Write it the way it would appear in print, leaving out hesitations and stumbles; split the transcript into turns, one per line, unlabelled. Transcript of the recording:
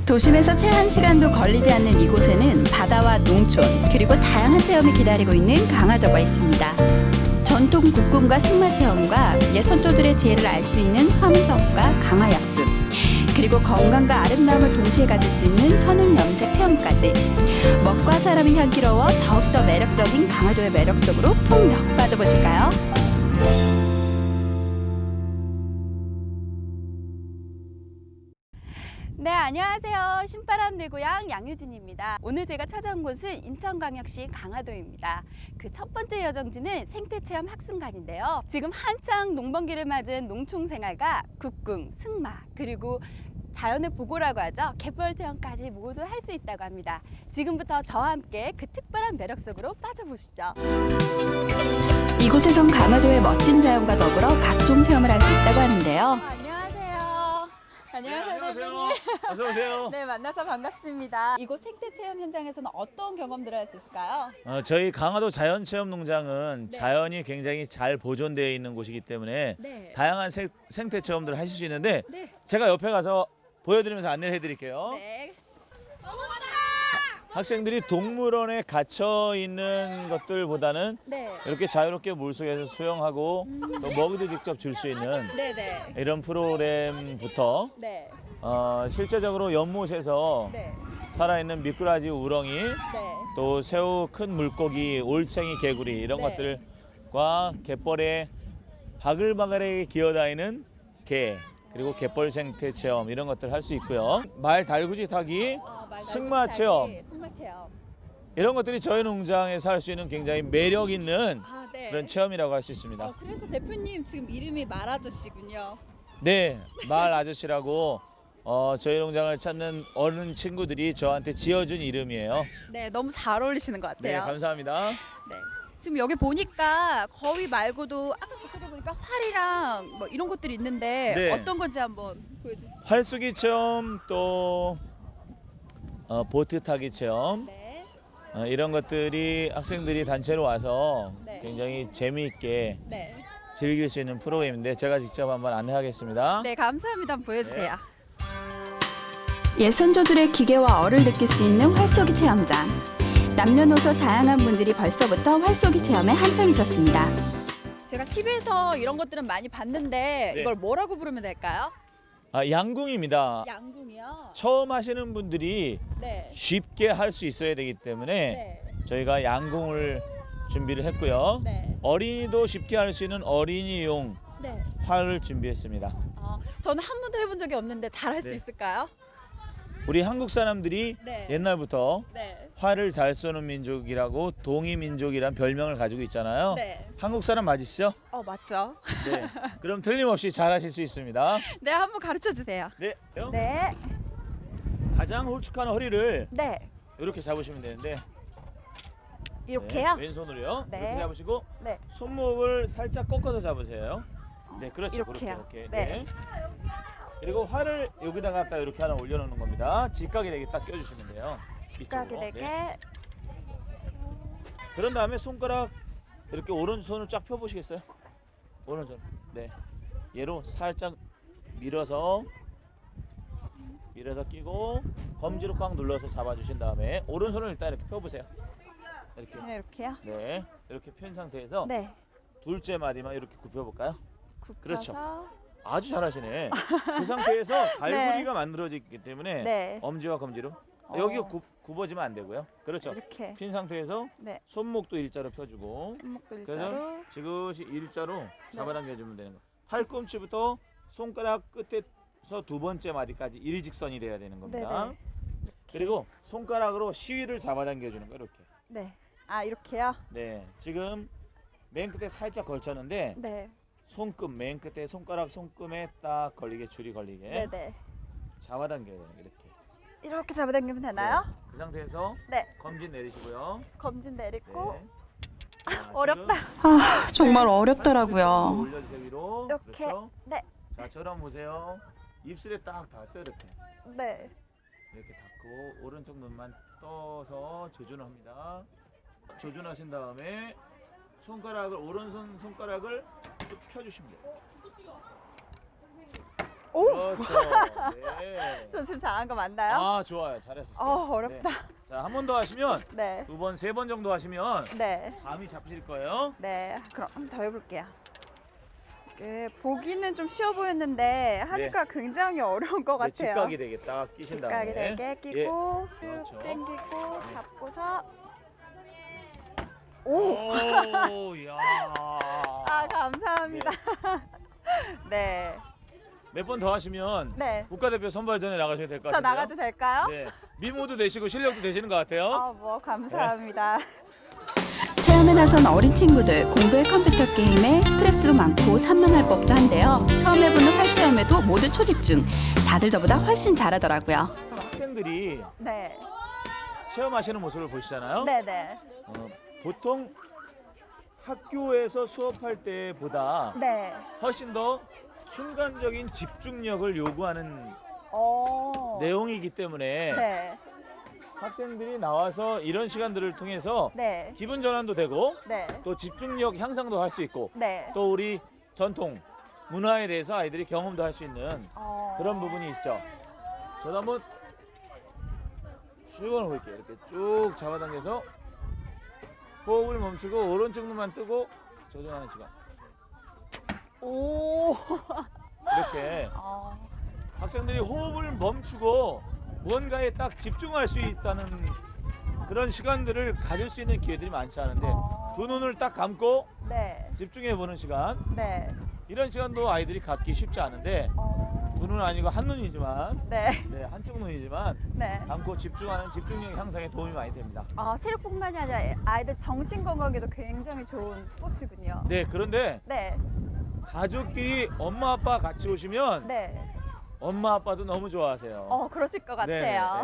도심에서 채 1시간도 걸리지 않는 이곳에는 바다와 농촌 그리고 다양한 체험이 기다리고 있는 강화도가 있습니다. 전통 국궁과 승마 체험과 예선조들의 지혜를 알 수 있는 화문석과 강화약수 그리고 건강과 아름다움을 동시에 가질 수 있는 천연 염색 체험까지 먹과 사람이 향기로워 더욱더 매력적인 강화도의 매력 속으로 풍덩 빠져보실까요? 네, 안녕하세요. 신바람 내고향 양유진입니다. 오늘 제가 찾아온 곳은 인천광역시 강화도입니다. 그 첫 번째 여정지는 생태체험 학습관인데요. 지금 한창 농번기를 맞은 농촌생활과 국궁, 승마, 그리고 자연의 보고라고 하죠. 갯벌 체험까지 모두 할 수 있다고 합니다. 지금부터 저와 함께 그 특별한 매력 속으로 빠져보시죠. 이곳에선 강화도의 멋진 자연과 더불어 각종 체험을 할 수 있다고 하는데요. 안녕하세요,
네,
대표님.
어서 오세요.
네, 만나서 반갑습니다. 이곳 생태체험 현장에서는 어떤 경험들을 할 수 있을까요?
저희 강화도 자연체험농장은
네.
자연이 굉장히 잘 보존되어 있는 곳이기 때문에
네.
다양한 생태 체험들을 하실 수 있는데
네.
제가 옆에 가서 보여드리면서 안내를 해드릴게요.
네.
학생들이 동물원에 갇혀 있는 것들보다는
네.
이렇게 자유롭게 물속에서 수영하고 또 먹이도 직접 줄 수 있는
네네.
이런 프로그램부터
네.
실제적으로 연못에서
네.
살아있는 미꾸라지, 우렁이,
네.
또 새우, 큰 물고기, 올챙이, 개구리 이런
네.
것들과 갯벌에 바글바글하게 기어다니는 개 그리고 갯벌 생태 체험 이런 것들 할 수 있고요. 말 달구지 타기, 승마 체험
승마 체험.
이런 것들이 저희 농장에서 할 수 있는 굉장히 매력 있는
네.
그런 체험이라고 할 수 있습니다.
그래서 대표님 지금 이름이 말아저씨군요.
네, 말 아저씨라고 저희 농장을 찾는 어른 친구들이 저한테 지어준 이름이에요.
네, 너무 잘 어울리시는 것
네,
같아요.
감사합니다.
네. 지금 여기 보니까 거위 말고도 아까 저쪽에 보니까 활이랑 뭐 이런 것들이 있는데
네.
어떤 건지 한번 보여주세요.
활쏘기 체험 또 보트 타기 체험
네.
이런 것들이 학생들이 단체로 와서
네.
굉장히 재미있게
네.
즐길 수 있는 프로그램인데 제가 직접 한번 안내하겠습니다.
네, 감사합니다. 한번 보여주세요. 예선조들의 기계와 얼을 느낄 수 있는 활쏘기 체험장. 남녀노소 다양한 분들이 벌써부터 활쏘기 체험에 한창이셨습니다. 제가 TV에서 이런 것들은 많이 봤는데
네.
이걸 뭐라고 부르면 될까요?
양궁입니다.
양궁이요.
처음 하시는 분들이
네.
쉽게 할 수 있어야 되기 때문에
네.
저희가 양궁을 준비를 했고요.
네.
어린이도 쉽게 할 수 있는 어린이용
네.
활을 준비했습니다.
저는 한 번도 해본 적이 없는데 잘 할 수
네.
있을까요?
우리 한국 사람들이
네.
옛날부터
네.
활을 잘 쏘는 민족이라고 동이민족이란 별명을 가지고 있잖아요.
네.
한국 사람 맞으시죠?
맞죠?
네. 그럼 틀림없이 잘 하실 수 있습니다.
네, 한번 가르쳐 주세요.
네.
네.
가장 홀쭉한 허리를
네.
이렇게 잡으시면 되는데
이렇게요?
네, 왼손으로요.
네.
이렇게 잡으시고
네.
손목을 살짝 꺾어서 잡으세요. 네, 그렇죠.
이렇게요.
그렇게.
네.
그리고 활을 여기다 갖다 이렇게 하나 올려놓는 겁니다. 직각이 되게 딱 껴주시면 돼요.
직각이
이쪽으로.
되게.
네. 그런 다음에 손가락 이렇게 오른손을 쫙 펴보시겠어요? 오른손. 네. 얘로 살짝 밀어서 끼고 검지로 꽉 눌러서 잡아주신 다음에 오른손을 일단 이렇게 펴보세요. 이렇게.
네, 이렇게요?
네. 이렇게 편 상태에서
네.
둘째 마디만 이렇게 굽혀볼까요?
굽혀서.
그렇죠. 아주 잘하시네. 그 상태에서 갈고리가 만들어지기 때문에
네.
엄지와 검지로
어.
여기가 굽어지면 안 되고요. 그렇죠.
이렇게.
핀 상태에서
네.
손목도 일자로 펴주고
손목도
그래서
일자로.
지그시 일자로
네.
잡아당겨주면 되는 거예요. 팔꿈치부터 손가락 끝에서 두 번째 마디까지 일직선이 돼야 되는 겁니다.
네네.
그리고 손가락으로 시위를 잡아당겨주는 거예요. 이렇게.
네. 이렇게요?
네. 지금 맨 끝에 살짝 걸쳤는데
네.
손끝 맨 끝에 손금에 딱 걸리게 줄이 걸리게
네네.
잡아당겨요. 이렇게.
이렇게 잡아당기면 되나요?
네. 그 상태에서
네.
검진 내리시고요.
검진 내리고.
네. 자,
어렵다.
지금
정말
어렵더라고요. 올려주세요 위로.
이렇게.
그렇죠?
네.
자, 저랑 보세요. 입술에 딱 닿죠 이렇게.
네.
이렇게 닿고 오른쪽 눈만 떠서 조준을 합니다. 조준하신 다음에 오른손 손가락을 쭉 펴주시면 돼요.
오!
그렇죠. 네.
저 지금 잘한 거 맞나요?
아, 좋아요. 잘하셨어요.
어렵다.
네. 자, 한 번 더 하시면
네.
2번, 3번 정도 하시면
네.
감이 잡히실 거예요.
네. 그럼 한 번 더 해볼게요. 이게 보기는 좀 쉬워 보였는데 하니까 굉장히 어려운 것
네,
같아요.
직각이 되게 딱 끼신 다음에.
직각이 되게 끼고 쭉
그렇죠.
당기고 잡고서
오,
오!
야.
아, 감사합니다. 네.
몇 번 더 하시면
네.
국가대표 선발전에 나가셔야 될 것
저
같아요.
나가도 될까요?
네. 미모도 되시고 실력도 되시는 것 같아요.
뭐 감사합니다.
네.
체험에 나선 어린 친구들 공부에 컴퓨터 게임에 스트레스도 많고 산만할 법도 한데요. 처음 해보는 활체험에도 모두 초집중. 다들 저보다 훨씬 잘하더라고요.
학생들이
네.
체험하시는 모습을 보시잖아요.
네네.
보통 학교에서 수업할 때보다
네.
훨씬 더 순간적인 집중력을 요구하는 내용이기 때문에
네.
학생들이 나와서 이런 시간들을 통해서
네.
기분 전환도 되고
네.
또 집중력 향상도 할 수 있고
네.
또 우리 전통 문화에 대해서 아이들이 경험도 할 수 있는 그런 부분이 있죠. 저도 한번 쭉 볼게요. 이렇게 쭉 잡아당겨서 호흡을 멈추고 오른쪽 눈만 뜨고 조정하는 시간.
오.
이렇게 학생들이 호흡을 멈추고 무언가에 딱 집중할 수 있다는 그런 시간들을 가질 수 있는 기회들이 많지 않은데 두 눈을 딱 감고
네.
집중해 보는 시간,
네.
이런 시간도 아이들이 갖기 쉽지 않은데 두 눈은 아니고 한 눈이지만
네.
네, 한쪽 눈이지만
네.
감고 집중하는 집중력 향상에 도움이 많이 됩니다.
체력뿐만이 아니라 아이들 정신 건강에도 굉장히 좋은 스포츠군요.
네, 그런데
네.
가족끼리 엄마 아빠 같이 오시면
네.
엄마 아빠도 너무 좋아하세요.
그러실 것
네,
같아요.